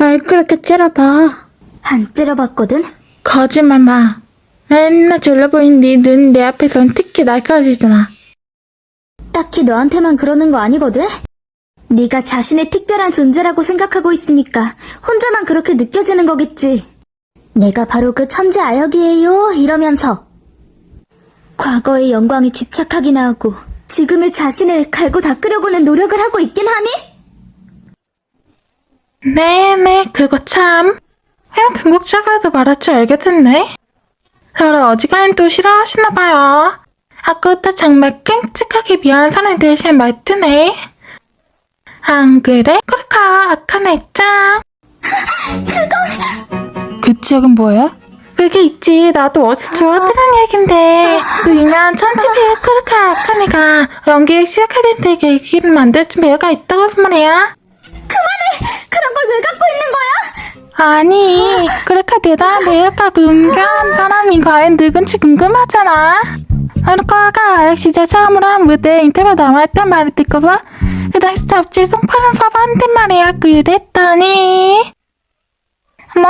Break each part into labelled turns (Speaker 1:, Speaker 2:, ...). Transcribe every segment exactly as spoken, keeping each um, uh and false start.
Speaker 1: 말 그렇게 째려봐.
Speaker 2: 안 째려봤거든?
Speaker 1: 거짓말 마. 맨날 졸려 보이는 네 눈 내 앞에선 특히 날카로워지잖아.
Speaker 2: 딱히 너한테만 그러는 거 아니거든? 네가 자신의 특별한 존재라고 생각하고 있으니까 혼자만 그렇게 느껴지는 거겠지. 내가 바로 그 천재 아역이에요 이러면서 과거의 영광에 집착하기나 하고 지금의 자신을 갈고 닦으려고는 노력을 하고 있긴 하니?
Speaker 1: 네네, 그거 참. 그냥 금국자가도 말할 줄 알겠던데. 저를 어지간히 또 싫어하시나봐요. 아까부터 정말 끔찍하게 미안한 사람에 대신 말투네. 안 그래? 그렇까 악한 애짱.
Speaker 2: 그건...
Speaker 1: 그 지역은 뭐야? 그게 있지. 나도 어디서 들었던 얘긴데 그 유명한 천재배우 그렇까 악한 애가 연기를 시작할 때 계기를 만들어준 배우가 있다고 해서 말이야.
Speaker 2: 그만해! 그런 걸 왜 갖고 있는 거야?
Speaker 1: 아니, 그렇게 대단한 배우가 궁금한 사람이 과연 누군지 궁금하잖아. 그러니까 아까 아역 시절 처음으로 한 무대에 인터뷰 남아있단 말을 듣고서 그 당시 잡지 송파를 써봤는데 말이야. 그랬더니 어머?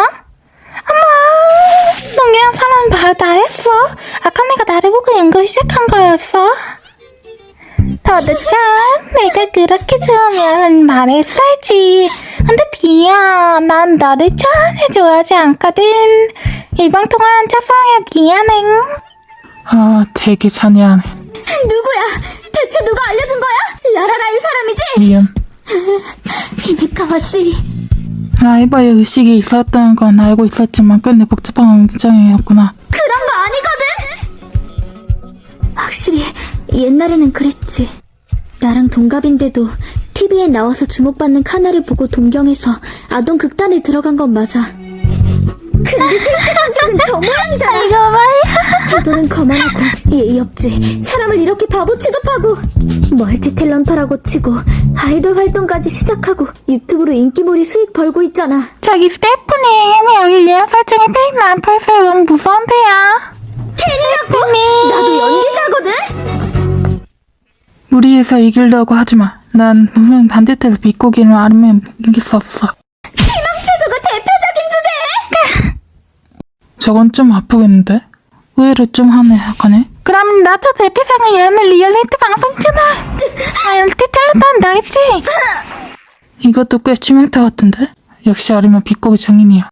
Speaker 1: 어머! 농기한 사람은 바로 나였어. 악한 애가 나를 보고 연구를 시작한 거였어. 도대체 내가 그렇게 좋으면 말했어야지. 근데 미안, 난 너를 전혀 좋아하지 않거든. 이번 통화한 첫사랑에 미안해. 아, 되게 잔인하네.
Speaker 2: 누구야? 대체 누가 알려준 거야? 라라라일 사람이지?
Speaker 1: 미안.
Speaker 2: 히메카와 씨.
Speaker 1: 라이버의 의식이 있었던 건 알고 있었지만 끝내 복잡한 굉장이었구나.
Speaker 2: 그런 거 아니거든? 확실히 옛날에는 그랬지. 나랑 동갑인데도 티비에 나와서 주목받는 카나를 보고 동경해서 아동 극단에 들어간 건 맞아. 근데 실제 성격은 저 모양이잖아.
Speaker 1: 이거 봐요.
Speaker 2: 태도는 거만하고 예의 없지. 사람을 이렇게 바보 취급하고 멀티 탤런터라고 치고 아이돌 활동까지 시작하고 유튜브로 인기몰이 수익 벌고 있잖아.
Speaker 1: 저기 스테프님, 여기 리안 설정이 페이크 안 팔세요. 너무 무서운데요.
Speaker 2: 팬이라고? 나도 연기자거든?
Speaker 1: 무리해서 이기려고 하지마. 난 무슨 반듯해서 비꼬기는 아니면 이길 수 없어.
Speaker 2: 희망체조가 대표적인 주제에!
Speaker 1: 저건 좀 아프겠는데? 의외로 좀 하네, 하네. 그럼 나도 대표상을 여는 리얼리티 방송이잖아. 아, 연티 탤런트 나겠지? 이것도 꽤 치명타 같은데? 역시 아리면 비꼬기 장인이야.